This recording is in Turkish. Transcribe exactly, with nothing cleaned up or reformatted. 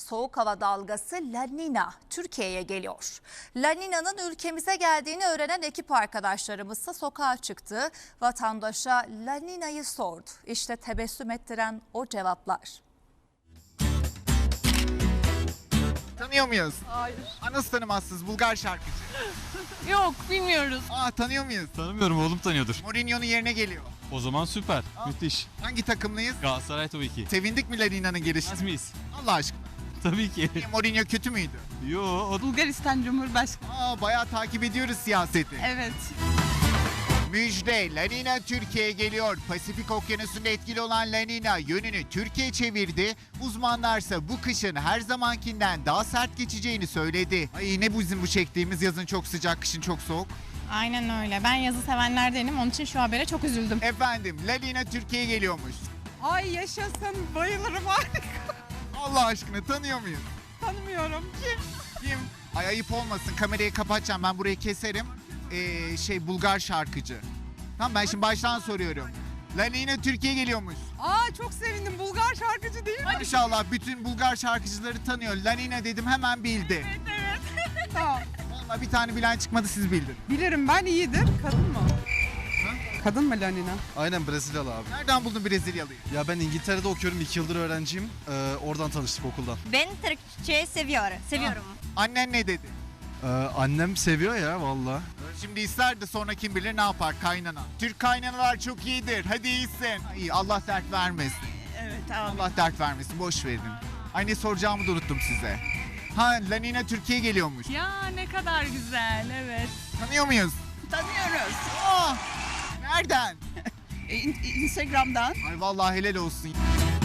soğuk hava dalgası La Nina Türkiye'ye geliyor. La Nina'nın ülkemize geldiğini öğrenen ekip arkadaşlarımızsa sokağa çıktı. Vatandaşa La Nina'yı sordu. İşte tebessüm ettiren o cevaplar. Tanıyor muyuz? Hayır. Aa, nasıl tanımazsınız? Bulgar şarkıcı. Yok, bilmiyoruz. Aa, tanıyor muyuz? Tanımıyorum, oğlum tanıyordur. Mourinho'nun yerine geliyor. O zaman süper. Müthiş. Hangi takımlıyız? Galatasaray tabii ki. Sevindik mi La Nina'nın gelişine? Az mıyız? Allah aşkına. Tabii ki. Mourinho kötü müydü? Yo, o Bulgaristan Cumhurbaşkanı. Aa, bayağı takip ediyoruz siyaseti. Evet. Müjde, La Nina Türkiye'ye geliyor. Pasifik Okyanusu'nda etkili olan La Nina yönünü Türkiye çevirdi. Uzmanlarsa bu kışın her zamankinden daha sert geçeceğini söyledi. Ay ne bu bizim bu çektiğimiz, yazın çok sıcak, kışın çok soğuk. Aynen öyle. Ben yazı sevenlerdenim. Onun için şu habere çok üzüldüm. Efendim, La Nina Türkiye'ye geliyormuş. Ay yaşasın, bayılırım harika. Allah aşkına tanıyor muyuz? Tanımıyorum. Kim? Kim? Ay ayıp olmasın, kamerayı kapatacağım, ben burayı keserim. Ee, şey Bulgar şarkıcı. Tamam, ben şimdi baştan soruyorum. La Nina Türkiye'ye geliyormuş. Aa çok sevindim. Bulgar şarkıcı değil mi? Maşallah bütün Bulgar şarkıcıları tanıyor. La Nina dedim hemen bildi. Tamam. Vallahi bir tane bilen çıkmadı, siz bildin. Bilirim ben, iyidir. Kadın mı? Kadın mı Lanina? Aynen Brezilyalı abi. Nereden buldun Brezilyalıyı? Ya ben İngiltere'de okuyorum. iki yıldır öğrenciyim. Ee, oradan tanıştık okuldan. Ben Türkçe seviyorum. Seviyorum. Annen ne dedi? Ee, annem seviyor ya valla. Şimdi ister de sonra kim bilir ne yapar kaynana. Türk kaynanalar çok iyidir. Hadi iyisin. İyi, Allah dert vermesin. Evet tamam. Allah dert vermesin. Boş verin. Ay ne soracağımı da unuttum size. Ha, La Nina Türkiye'ye geliyormuş. Ya ne kadar güzel, evet. Tanıyor muyuz? Tanıyoruz. Aa, nereden? Instagram'dan. Ay vallahi helal olsun.